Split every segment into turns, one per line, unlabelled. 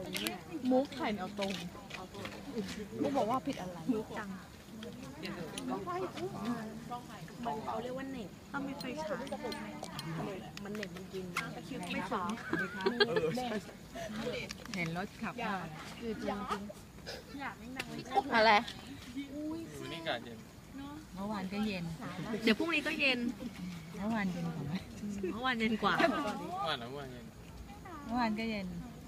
มุกถ่ายแนวตรงมุกบอกว่าผิดอะไรมุกจังมันเขาเรียกว่าเน็ตถ้าไม่ไฟฉายมันเน็ตมันกินไม่ฟ้า
เห็นรถขับมา
อะไร
นี่กาเย็น
เมื่อวานก็เย็น
เดี๋ยวพรุ่งนี้ก็เย็น
เมื่อวานเย็นกว่าไหม
เมื่อวานเย็นกว่า
ว่านะว่าเย็น
เมื่อวานก็เย็น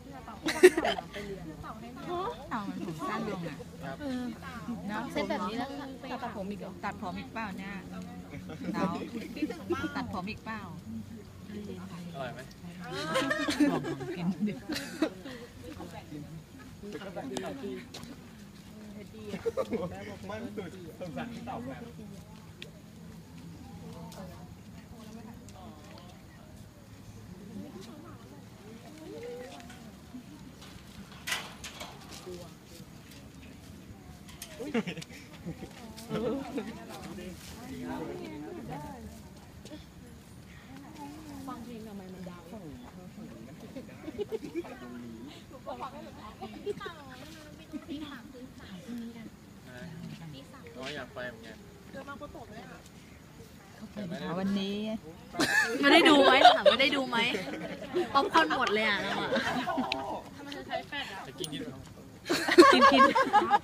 เอามันผมสั้นลงอ่ะ
เส้นแบบนี้แล้วตัดผมอีกเหรอ
ตัดผมอีกเปล่าเนี่ยเราตัดผมอีกเปล่า
อร่อยไหม
บอกผมกินดิ
มันสุดสงสารที่ตอบแบบ
ฟังเพลงทำไมมันดาว
น้อยอยากไปเหมือนกัน
วันนี้
ไม่ได้ดูไหมถามไม่ได้ดูไหมป๊อปคอร์นหมดเลยอ่ะเราอ่ะทำไมจะใช้แฟดอ่ะ
กิน
กิน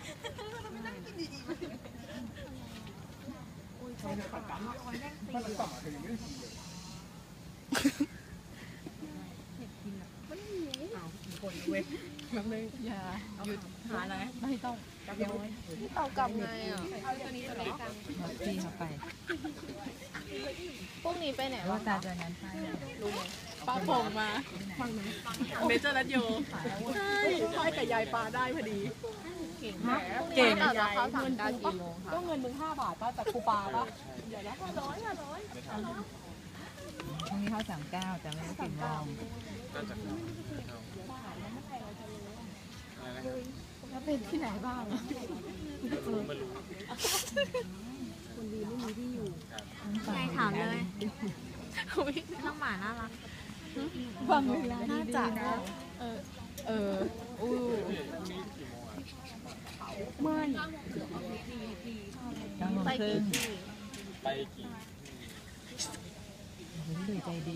คนเว้ยแบบนึงอย่าหยุดหาอะไรไม่ต้องกลับเลยเอากลับไงอ่ะเอาตัวนี้ตัวนี้กัน
พี่เขาไป
พวกนี้ไปไหน
ว่าตาตัวนั้นไป
รู้ไหมป้าผมมาฟังไหมเมเจอร์รัตโยใช่พ่อยกับยายปลาได้พอดีเก่งยายเงินได้กี่โมงคะก็เงินมึง5 บาทป่ะจากครูปาป่ะเดี๋ยวนะ500
พรุ่งนี้เขา39แต่ไม่ได้กินเรา
ก็จะ
แล้วเป็นที่ไหนบ้าง
ไม่รู้
คนดีไม่มีที่อยู่ใช่ถามเลยน้องหมาน่ารักบางเวลาน่าจะนะไม่
ไปกี่
ไปกี่
ดูใจดี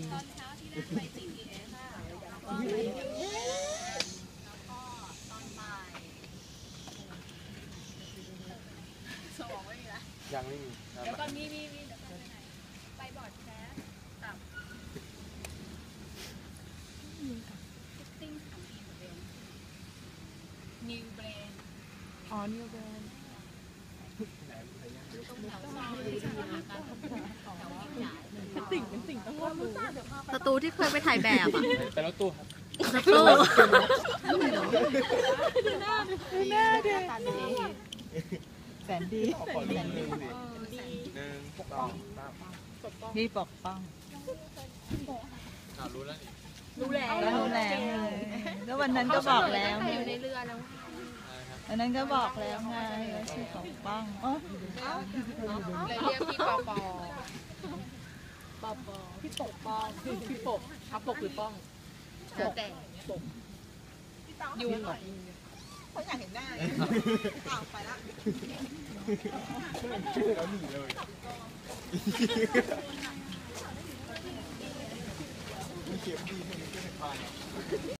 ยังไม่มี
แล้วก็มีไปบอร์ดแคสกับนิวเบรนอ๋อนิวเบรนเป็นสิ่งต้องรู้จักสตูที่เคยไปถ่ายแบบอ่ะ
ไปรถตู้ครับ
รถตู้หน้าเด็ก
แสนดี
ปกป้อง
พี่ปกป้อง
รู้แล้ว
รู้แล้ว
แล้ววันนั้นก็บอกแล้ว
อยู่ในเรือแล้ว
วันนั้นก็บอกแล้วไงชื่อปกป้อง
เลยเรียกพี่ปอปอพี่ปกป้องพี่ปกอัพปกหรือป้องแล้วแต่ปกยูหน่อยเขาอยากเห็นหน้าเอาไปละ
ชื่อแล้วหนีเลยมีเข็มดีให้มันขึ้นในพาน